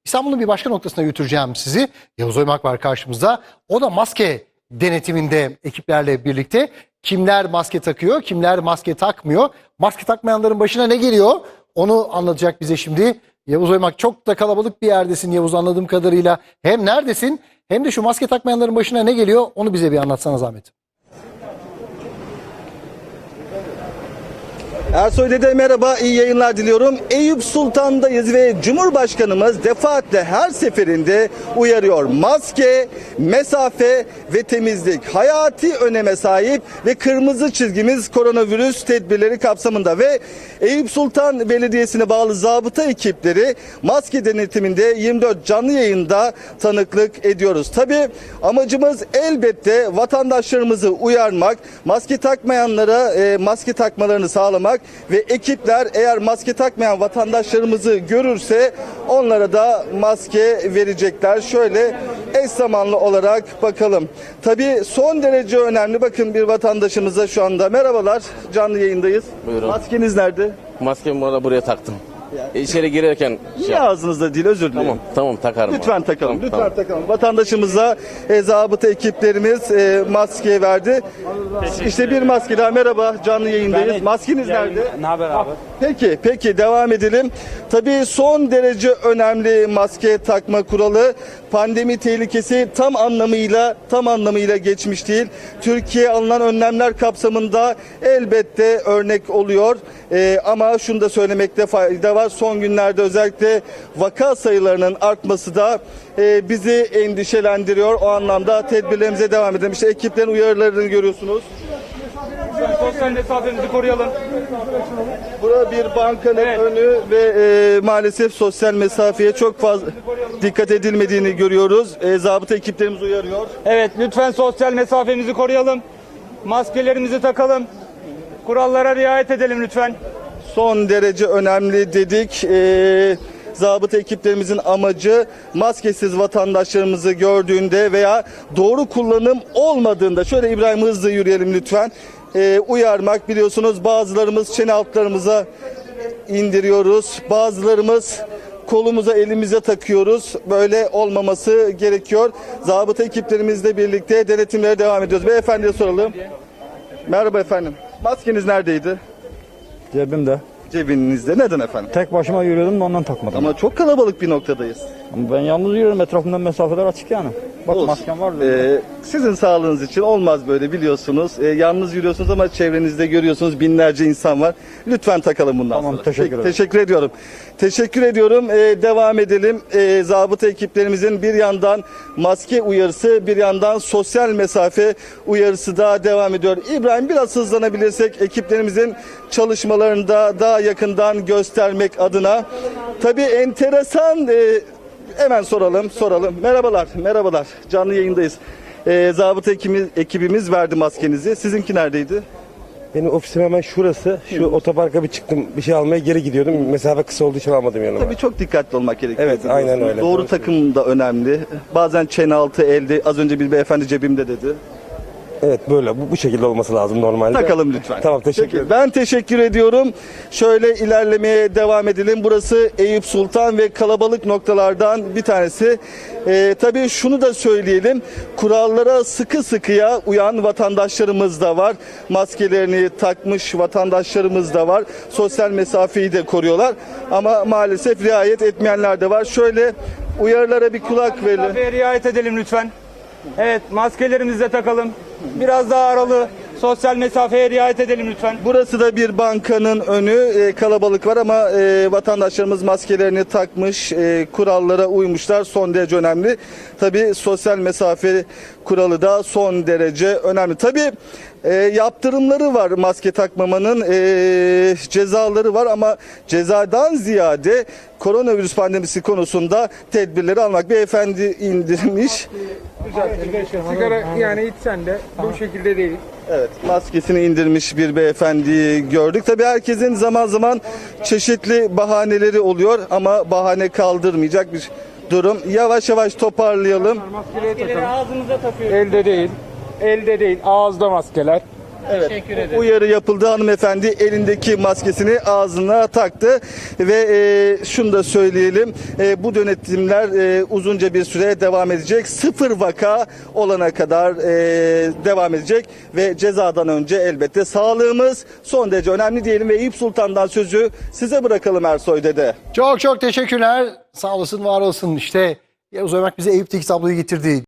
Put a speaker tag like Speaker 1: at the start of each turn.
Speaker 1: İstanbul'un bir başka noktasına götüreceğim sizi. Yavuz Oymak var karşımızda. O da maske denetiminde ekiplerle birlikte. Kimler maske takıyor, kimler maske takmıyor. Maske takmayanların başına ne geliyor? Onu anlatacak bize şimdi. Yavuz Oymak, çok da kalabalık bir yerdesin Yavuz, anladığım kadarıyla. Hem neredesin hem de şu maske takmayanların başına ne geliyor? Onu bize bir anlatsana zahmet.
Speaker 2: Ersoy Dede merhaba, iyi yayınlar diliyorum. Eyüp Sultan'dayız ve Cumhurbaşkanımız defaatle her seferinde uyarıyor. Maske, mesafe ve temizlik hayati öneme sahip ve kırmızı çizgimiz koronavirüs tedbirleri kapsamında ve Eyüp Sultan Belediyesi'ne bağlı zabıta ekipleri maske denetiminde 24 canlı yayında tanıklık ediyoruz. Tabii amacımız elbette vatandaşlarımızı uyarmak, maske takmayanlara maske takmalarını sağlamak ve ekipler eğer maske takmayan vatandaşlarımızı görürse onlara da maske verecekler. Şöyle eş zamanlı olarak bakalım. Tabii son derece önemli. Bakın bir vatandaşımıza şu anda merhabalar, canlı yayındayız.
Speaker 3: Buyurun.
Speaker 2: Maskeniz nerede?
Speaker 3: Maskemi bana buraya taktım. İçeri girerken
Speaker 2: Niye ağzınızda değil, özür dilerim.
Speaker 3: Tamam takarım.
Speaker 2: Lütfen
Speaker 3: abi.
Speaker 2: takalım,
Speaker 3: Tamam,
Speaker 2: lütfen
Speaker 3: tamam.
Speaker 2: takalım. Vatandaşımıza zabıta ekiplerimiz maske verdi. İşte bir maske daha, merhaba, canlı yayındayız. Maskeniz nerede?
Speaker 4: Ne haber abi?
Speaker 2: Peki devam edelim. Tabii son derece önemli maske takma kuralı. Pandemi tehlikesi tam anlamıyla geçmiş değil. Türkiye alınan önlemler kapsamında elbette örnek oluyor. Ama şunu da söylemekte fayda var. Son günlerde özellikle vaka sayılarının artması da bizi endişelendiriyor. O anlamda tedbirlerimize devam edelim. İşte ekiplerin uyarılarını görüyorsunuz.
Speaker 4: Sosyal mesafemizi koruyalım.
Speaker 2: Burada bir bankanın önü ve maalesef sosyal mesafeye çok fazla dikkat edilmediğini görüyoruz. Zabıta ekiplerimiz uyarıyor.
Speaker 4: Evet, lütfen sosyal mesafemizi koruyalım. Maskelerimizi takalım. Kurallara riayet edelim lütfen.
Speaker 2: Son derece önemli dedik. Zabıta ekiplerimizin amacı maskesiz vatandaşlarımızı gördüğünde veya doğru kullanım olmadığında, şöyle İbrahim hızlı yürüyelim lütfen, uyarmak. Biliyorsunuz bazılarımız çene altlarımıza indiriyoruz. Bazılarımız kolumuza, elimize takıyoruz. Böyle olmaması gerekiyor. Zabıta ekiplerimizle birlikte denetimlere devam ediyoruz. Beyefendiye soralım. Merhaba efendim. Maskeniz neredeydi?
Speaker 5: Cebimde.
Speaker 2: Cebinizde. Neden efendim?
Speaker 5: Tek başıma yürüyordum da ondan takmadım.
Speaker 2: Ama çok kalabalık bir noktadayız.
Speaker 5: Ama ben yalnız yürüyorum, etrafımdan mesafeler açık yani. Bak
Speaker 2: Olsun.
Speaker 5: maskem var.
Speaker 2: Sizin sağlığınız için olmaz böyle, biliyorsunuz. Yalnız yürüyorsunuz ama çevrenizde görüyorsunuz binlerce insan var. Lütfen takalım bundan
Speaker 5: Tamam,
Speaker 2: sonra.
Speaker 5: teşekkür ederim.
Speaker 2: Teşekkür ediyorum. Teşekkür ediyorum. Devam edelim. Zabıta ekiplerimizin bir yandan maske uyarısı, bir yandan sosyal mesafe uyarısı da devam ediyor. İbrahim, biraz hızlanabilirsek ekiplerimizin çalışmalarını da daha yakından göstermek adına. Tabii enteresan. Hemen soralım. Merhabalar. Canlı yayındayız. Zabıta ekibimiz verdi maskenizi. Sizinki neredeydi?
Speaker 6: Benim ofisim hemen şurası. Şu otoparka bir çıktım. Bir şey almaya geri gidiyordum. Mesafe kısa olduğu için almadım yanıma.
Speaker 2: Tabii çok dikkatli olmak gerekiyor.
Speaker 6: Evet, aynen öyle.
Speaker 2: Doğru takım da önemli. Bazen çene altı, elde. Az önce bir beyefendi cebimde dedi.
Speaker 6: Evet, böyle. Bu şekilde olması lazım normalde.
Speaker 2: Takalım lütfen.
Speaker 6: Tamam, teşekkür
Speaker 2: Peki,
Speaker 6: ederim.
Speaker 2: ben teşekkür ediyorum. Şöyle ilerlemeye devam edelim. Burası Eyüp Sultan ve kalabalık noktalardan bir tanesi. Tabii şunu da söyleyelim. Kurallara sıkı sıkıya uyan vatandaşlarımız da var. Maskelerini takmış vatandaşlarımız da var. Sosyal mesafeyi de koruyorlar. Ama maalesef riayet etmeyenler de var. Şöyle uyarılara bir kulak verelim.
Speaker 4: Mesafeye riayet edelim lütfen. Evet, maskelerimizi de takalım. Biraz daha aralı. Sosyal mesafeye riayet edelim lütfen.
Speaker 2: Burası da bir bankanın önü. Kalabalık var ama vatandaşlarımız maskelerini takmış, kurallara uymuşlar. Son derece önemli. Tabii sosyal mesafe kuralı da son derece önemli. Tabii yaptırımları var maske takmamanın, cezaları var ama cezadan ziyade koronavirüs pandemisi konusunda tedbirleri almak. Beyefendi indirmiş.
Speaker 7: Sigara yani içsen de bu şekilde değil.
Speaker 2: Evet, maskesini indirmiş bir beyefendiyi gördük. Tabii herkesin zaman zaman çeşitli bahaneleri oluyor ama bahane kaldırmayacak bir durum. Yavaş yavaş toparlayalım.
Speaker 4: Maskeleri ağzımıza takıyoruz.
Speaker 7: Elde değil. Ağızda maskeler.
Speaker 2: Evet, uyarı yapıldı. Hanımefendi elindeki maskesini ağzına taktı ve şunu da söyleyelim. Bu denetimler uzunca bir süre devam edecek. 0 vaka olana kadar devam edecek ve cezadan önce elbette sağlığımız son derece önemli diyelim ve Eyüp Sultan'dan sözü size bırakalım Ersoy Dede.
Speaker 1: Çok çok teşekkürler. Sağ olasın, var olasın. İşte Yavuz Oymak bize Eyüp'teki tabloyu getirdi.